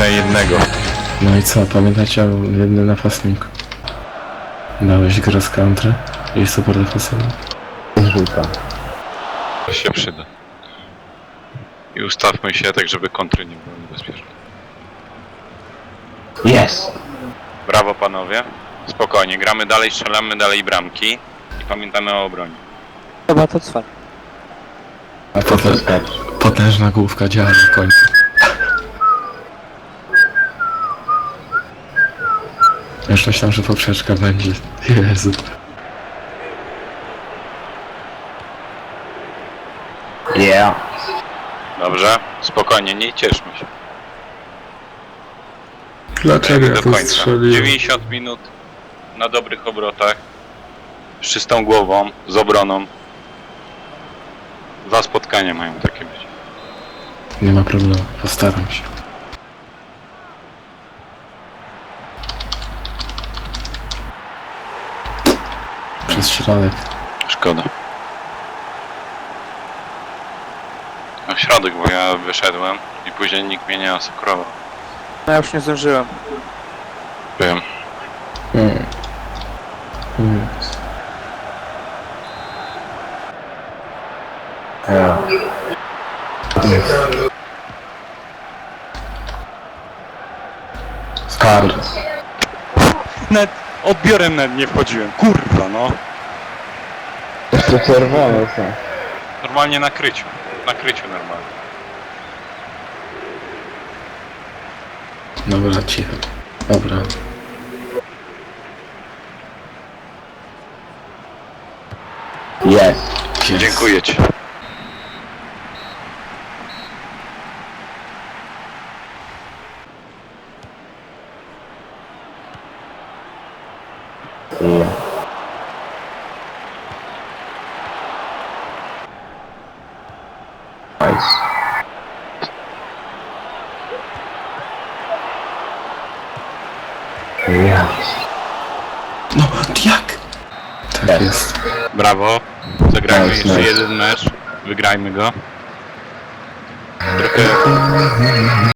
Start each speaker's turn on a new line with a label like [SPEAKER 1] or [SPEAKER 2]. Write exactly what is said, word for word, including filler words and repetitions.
[SPEAKER 1] Miałem jednego.
[SPEAKER 2] No i co, pamiętacie o jednym napastniku? Dałeś cross country i super defensywny.
[SPEAKER 3] Żółta.
[SPEAKER 1] To się przyda. I ustawmy się tak, żeby kontry nie były niebezpieczne.
[SPEAKER 3] Jest!
[SPEAKER 1] Brawo panowie. Spokojnie, gramy dalej, strzelamy dalej bramki. I pamiętamy o obronie.
[SPEAKER 4] Chyba to cwa.
[SPEAKER 2] A potem potężna główka działa w końcu. Już myślałem, że poprzeczka będzie. Jezu.
[SPEAKER 3] Yeah!
[SPEAKER 1] Dobrze? Spokojnie, nie cieszmy się.
[SPEAKER 2] Dlaczego
[SPEAKER 1] Grajmy
[SPEAKER 2] ja
[SPEAKER 1] do
[SPEAKER 2] to
[SPEAKER 1] końca.
[SPEAKER 2] strzeliłem?
[SPEAKER 1] dziewięćdziesiąt minut na dobrych obrotach. Z czystą głową, z obroną. Dwa spotkania mają takie być.
[SPEAKER 2] Nie ma problemu, postaram się. Przez środek.
[SPEAKER 1] Szkoda. Na środek, bo ja wyszedłem i później nikt mnie nie asekurował.
[SPEAKER 4] No ja już nie zdążyłem.
[SPEAKER 1] Wiem.
[SPEAKER 2] Hmm. Hmm.
[SPEAKER 3] Yeah.
[SPEAKER 2] Skar.
[SPEAKER 1] Nawet odbiorem nawet nie wchodziłem. Kurwa no.
[SPEAKER 3] Jeszcze czerwone są.
[SPEAKER 1] Normalnie na kryciu. Na kryciu normalnie.
[SPEAKER 2] Dobra, cicho. Dobra.
[SPEAKER 3] Jest!
[SPEAKER 2] Jest.
[SPEAKER 1] Dziękuję ci.
[SPEAKER 3] Yeah. Nice. Yeah.
[SPEAKER 2] No, jak? Tak
[SPEAKER 3] Jest.
[SPEAKER 2] jest.
[SPEAKER 1] Brawo. Zagrajmy
[SPEAKER 3] Nice,
[SPEAKER 1] jeszcze
[SPEAKER 3] nice.
[SPEAKER 1] jeden mecz. Wygrajmy go. Trochę